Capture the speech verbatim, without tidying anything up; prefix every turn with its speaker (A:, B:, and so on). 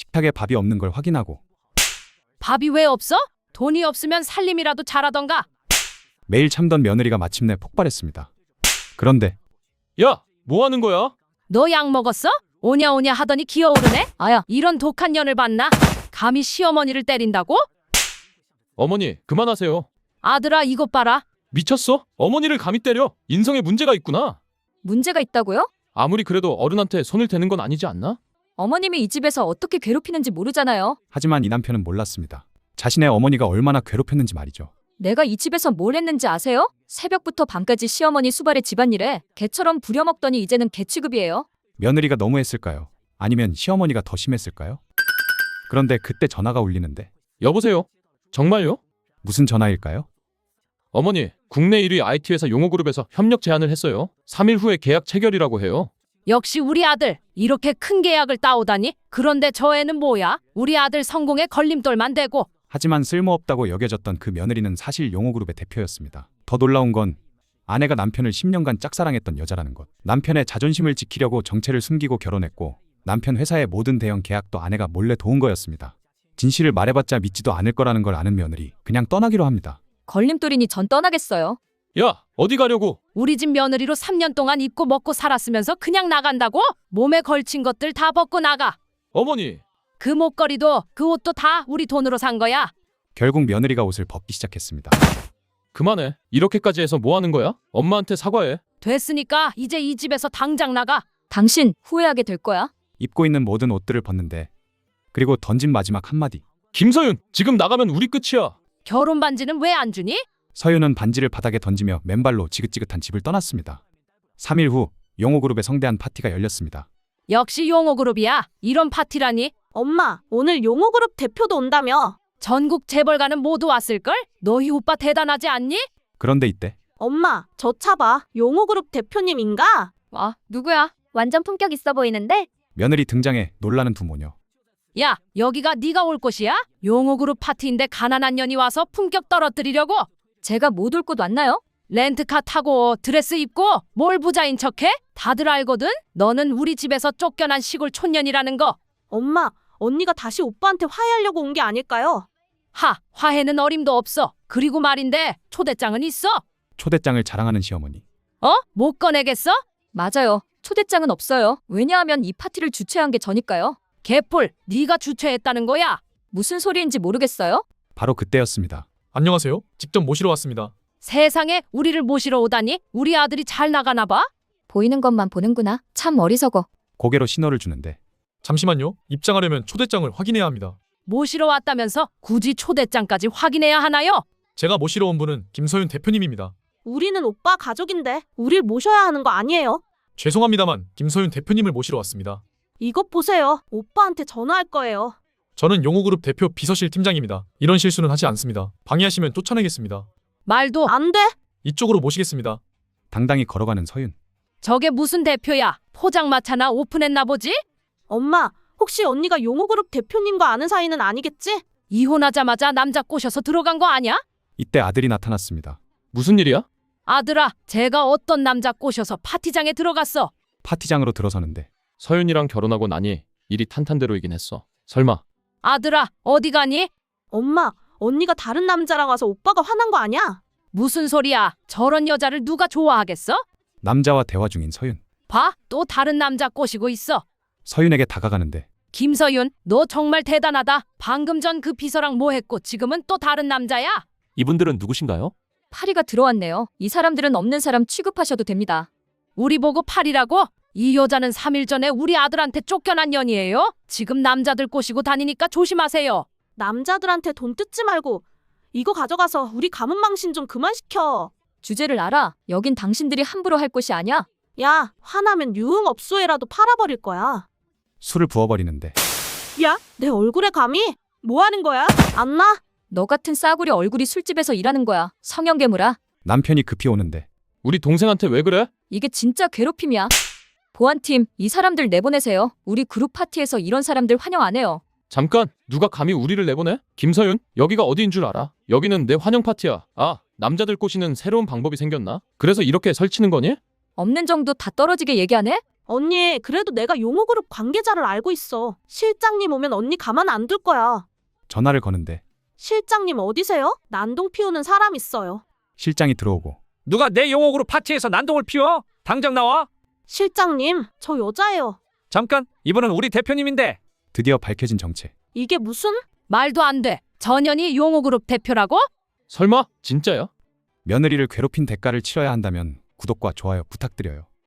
A: 식탁에 밥이 없는 걸 확인하고
B: 밥이 왜 없어? 돈이 없으면 살림이라도 잘하던가.
A: 매일 참던 며느리가 마침내 폭발했습니다. 그런데
C: 야, 뭐 하는 거야?
B: 너 약 먹었어? 오냐오냐 하더니 기어오르네? 아야, 이런 독한 년을 봤나? 감히 시어머니를 때린다고?
C: 어머니, 그만하세요.
B: 아들아, 이것 봐라.
C: 미쳤어? 어머니를 감히 때려? 인성에 문제가 있구나.
D: 문제가 있다고요?
C: 아무리 그래도 어른한테 손을 대는 건 아니지 않나?
D: 어머님이 이 집에서 어떻게 괴롭히는지 모르잖아요.
A: 하지만 이 남편은 몰랐습니다. 자신의 어머니가 얼마나 괴롭혔는지 말이죠.
D: 내가 이 집에서 뭘 했는지 아세요? 새벽부터 밤까지 시어머니 수발에 집안일에 개처럼 부려먹더니 이제는 개 취급이에요.
A: 며느리가 너무했을까요? 아니면 시어머니가 더 심했을까요? 그런데 그때 전화가 울리는데
C: 여보세요? 정말요?
A: 무슨 전화일까요?
C: 어머니, 국내 일 위 아이티 회사 용호그룹에서 협력 제안을 했어요. 삼 일 후에 계약 체결이라고 해요.
B: 역시 우리 아들, 이렇게 큰 계약을 따오다니? 그런데 저 애는 뭐야? 우리 아들 성공에 걸림돌만 되고.
A: 하지만 쓸모없다고 여겨졌던 그 며느리는 사실 용호그룹의 대표였습니다. 더 놀라운 건 아내가 남편을 십 년간 짝사랑했던 여자라는 것. 남편의 자존심을 지키려고 정체를 숨기고 결혼했고 남편 회사의 모든 대형 계약도 아내가 몰래 도운 거였습니다. 진실을 말해봤자 믿지도 않을 거라는 걸 아는 며느리, 그냥 떠나기로 합니다.
D: 걸림돌이니 전 떠나겠어요.
C: 야, 어디 가려고?
B: 우리 집 며느리로 삼 년 동안 입고 먹고 살았으면서 그냥 나간다고? 몸에 걸친 것들 다 벗고 나가.
C: 어머니,
B: 그 목걸이도 그 옷도 다 우리 돈으로 산 거야.
A: 결국 며느리가 옷을 벗기 시작했습니다.
C: 그만해. 이렇게까지 해서 뭐 하는 거야? 엄마한테 사과해.
B: 됐으니까 이제 이 집에서 당장 나가.
D: 당신 후회하게 될 거야.
A: 입고 있는 모든 옷들을 벗는데 그리고 던진 마지막 한마디.
C: 김서윤, 지금 나가면 우리 끝이야.
B: 결혼 반지는 왜 안 주니?
A: 서윤은 반지를 바닥에 던지며 맨발로 지긋지긋한 집을 떠났습니다. 삼 일 후 용호그룹의 성대한 파티가 열렸습니다.
B: 역시 용호그룹이야. 이런 파티라니.
E: 엄마, 오늘 용호그룹 대표도 온다며.
B: 전국 재벌가는 모두 왔을걸? 너희 오빠 대단하지 않니?
A: 그런데 이때
E: 엄마, 저 차 봐. 용호그룹 대표님인가?
D: 와, 누구야? 완전 품격 있어 보이는데?
A: 며느리 등장해 놀라는 두 모녀.
B: 야, 여기가 네가 올 곳이야? 용호그룹 파티인데 가난한 년이 와서 품격 떨어뜨리려고?
D: 제가 못 올 곳 왔나요?
B: 렌트카 타고 드레스 입고 뭘 부자인 척해? 다들 알거든? 너는 우리 집에서 쫓겨난 시골 촌년이라는 거.
E: 엄마, 언니가 다시 오빠한테 화해하려고 온 게 아닐까요?
B: 하, 화해는 어림도 없어. 그리고 말인데 초대장은 있어?
A: 초대장을 자랑하는 시어머니.
B: 어? 못 꺼내겠어?
D: 맞아요. 초대장은 없어요. 왜냐하면 이 파티를 주최한 게 저니까요.
B: 개뿔, 네가 주최했다는 거야?
D: 무슨 소리인지 모르겠어요?
A: 바로 그때였습니다.
F: 안녕하세요. 직접 모시러 왔습니다.
B: 세상에 우리를 모시러 오다니? 우리 아들이 잘 나가나 봐?
D: 보이는 것만 보는구나. 참 어리석어.
A: 고개로 신호를 주는데
F: 잠시만요. 입장하려면 초대장을 확인해야 합니다.
B: 모시러 왔다면서 굳이 초대장까지 확인해야 하나요?
F: 제가 모시러 온 분은 김서윤 대표님입니다.
E: 우리는 오빠 가족인데 우릴 모셔야 하는 거 아니에요?
F: 죄송합니다만 김서윤 대표님을 모시러 왔습니다.
E: 이것 보세요. 오빠한테 전화할 거예요.
F: 저는 용호그룹 대표 비서실 팀장입니다. 이런 실수는 하지 않습니다. 방해하시면 쫓아내겠습니다.
B: 말도
E: 안 돼.
F: 이쪽으로 모시겠습니다.
A: 당당히 걸어가는 서윤.
B: 저게 무슨 대표야? 포장마차나 오픈했나 보지?
E: 엄마, 혹시 언니가 용호그룹 대표님과 아는 사이는 아니겠지?
B: 이혼하자마자 남자 꼬셔서 들어간 거 아니야?
A: 이때 아들이 나타났습니다.
C: 무슨 일이야?
B: 아들아, 제가 어떤 남자 꼬셔서 파티장에 들어갔어.
A: 파티장으로 들어서는데
C: 서윤이랑 결혼하고 나니 일이 탄탄대로이긴 했어. 설마
B: 아들아, 어디 가니?
E: 엄마, 언니가 다른 남자랑 와서 오빠가 화난 거 아니야?
B: 무슨 소리야? 저런 여자를 누가 좋아하겠어?
A: 남자와 대화 중인 서윤.
B: 봐, 또 다른 남자 꼬시고 있어.
A: 서윤에게 다가가는데
B: 김서윤, 너 정말 대단하다. 방금 전 그 비서랑 뭐 했고 지금은 또 다른 남자야?
C: 이분들은 누구신가요?
D: 파리가 들어왔네요. 이 사람들은 없는 사람 취급하셔도 됩니다.
B: 우리 보고 팔이라고? 이 여자는 삼 일 전에 우리 아들한테 쫓겨난 년이에요? 지금 남자들 꼬시고 다니니까 조심하세요.
E: 남자들한테 돈 뜯지 말고 이거 가져가서 우리 가문 망신 좀 그만 시켜.
D: 주제를 알아. 여긴 당신들이 함부로 할 곳이 아니야.
E: 야, 화나면 유흥업소에라도 팔아버릴 거야.
A: 술을 부어버리는데
E: 야, 내 얼굴에 감히? 뭐 하는 거야? 안 나?
D: 너 같은 싸구려 얼굴이 술집에서 일하는 거야. 성형괴물아.
A: 남편이 급히 오는데
C: 우리 동생한테 왜 그래?
D: 이게 진짜 괴롭힘이야. 보안팀, 이 사람들 내보내세요. 우리 그룹 파티에서 이런 사람들 환영 안 해요.
C: 잠깐, 누가 감히 우리를 내보내? 김서윤, 여기가 어디인 줄 알아? 여기는 내 환영 파티야. 아, 남자들 꼬시는 새로운 방법이 생겼나? 그래서 이렇게 설치는 거니?
D: 없는 정도 다 떨어지게 얘기하네?
E: 언니, 그래도 내가 용호그룹 관계자를 알고 있어. 실장님 오면 언니 가만 안 둘 거야.
A: 전화를 거는데
E: 실장님 어디세요? 난동 피우는 사람 있어요.
A: 실장이 들어오고
G: 누가 내 용호그룹 파티에서 난동을 피워? 당장 나와.
E: 실장님, 저 여자예요.
G: 잠깐, 이분은 우리 대표님인데.
A: 드디어 밝혀진 정체.
E: 이게 무슨?
B: 말도 안 돼. 전현이 용호그룹 대표라고?
C: 설마? 진짜야?
A: 며느리를 괴롭힌 대가를 치러야 한다면 구독과 좋아요 부탁드려요.